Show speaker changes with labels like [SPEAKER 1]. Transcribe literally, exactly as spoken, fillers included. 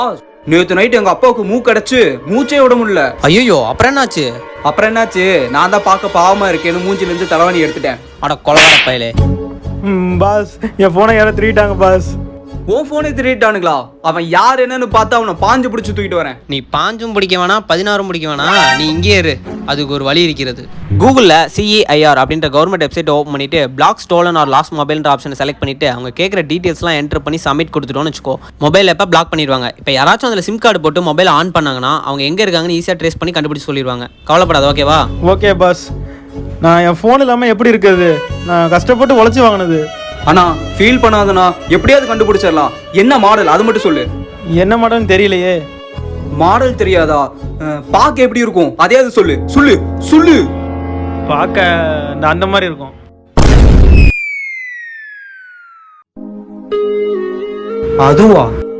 [SPEAKER 1] நேத்து நைட் எங்க அப்பாவுக்கு மூக்கு அடைச்சு மூச்சே விட முடியல.
[SPEAKER 2] ஐயோ அப்புறம் என்னாச்சு?
[SPEAKER 1] அப்புறம் என்னாச்சு, நான் தான் பார்க்க பாவமா இருக்கேன்னு மூஞ்சில இருந்து தலைவாணி எடுத்துட்டேன்.
[SPEAKER 2] அட கொலகார பயலே.
[SPEAKER 3] பாஸ் என் போனை யாரும் திருடிட்டாங்க பாஸ்.
[SPEAKER 1] உன் போனே திருட்டானுங்களா? அவன் யார் என்னன்னு பார்த்தா அவனை பாஞ்சு பிடிச்சு தூக்கிட்டு வரேன்.
[SPEAKER 2] நீ பாஞ்சும் பிடிக்க வேணாம் பதினாறும் பிடிக்க வேணாம், நீ இங்கே இரு, அதுக்கு ஒரு வழி இருக்கிறது. கூகுளில் சிஇஐஆர் அப்படின்ற கவர்மெண்ட் வெப்சைட் ஓப்பன் பண்ணிட்டு பிளாக் ஸ்டோலன் ஆர் லாஸ்ட் மொபைல்ன்ற ஆப்ஷனை செலக்ட் பண்ணிட்டு அவங்க கேட்குற டீட்டெயில்ஸ்லாம் என்டர் பண்ணி சப்மிட் கொடுத்துட்டோன்னு வச்சுக்கோ, மொபைல் எப்போ பிளாக் பண்ணிடுவாங்க. இப்போ யாராச்சும் அதில் சிம் கார்டு போட்டு மொபைல் ஆன் பண்ணாங்கன்னா அவங்க எங்கே இருக்காங்கன்னு ஈஸியாக ட்ரேஸ் பண்ணி கண்டுபிடிச்சு சொல்லிடுவாங்க. கவலைப்படாத, ஓகேவா?
[SPEAKER 3] Okay boss. நான் என் ஃபோன் இல்லாமல் எப்படி இருக்கிறது? நான் கஷ்டப்பட்டு உழைச்சி வாங்கினது.
[SPEAKER 1] அண்ணா ஃபீல் பண்ணாதண்ணா, எப்படியாவது கண்டுபிடிச்சிடலாம். என்ன மாடல் அது மட்டும் சொல்லு.
[SPEAKER 3] என்ன மாடல்னு தெரியலையே.
[SPEAKER 1] மாடல் தெரியாதா? பார்க்க எப்படி இருக்கும் அதையாவது சொல்லு சொல்லு சொல்லு.
[SPEAKER 3] பார்க்க அந்த மாதிரி இருக்கும்.
[SPEAKER 1] அதுவா?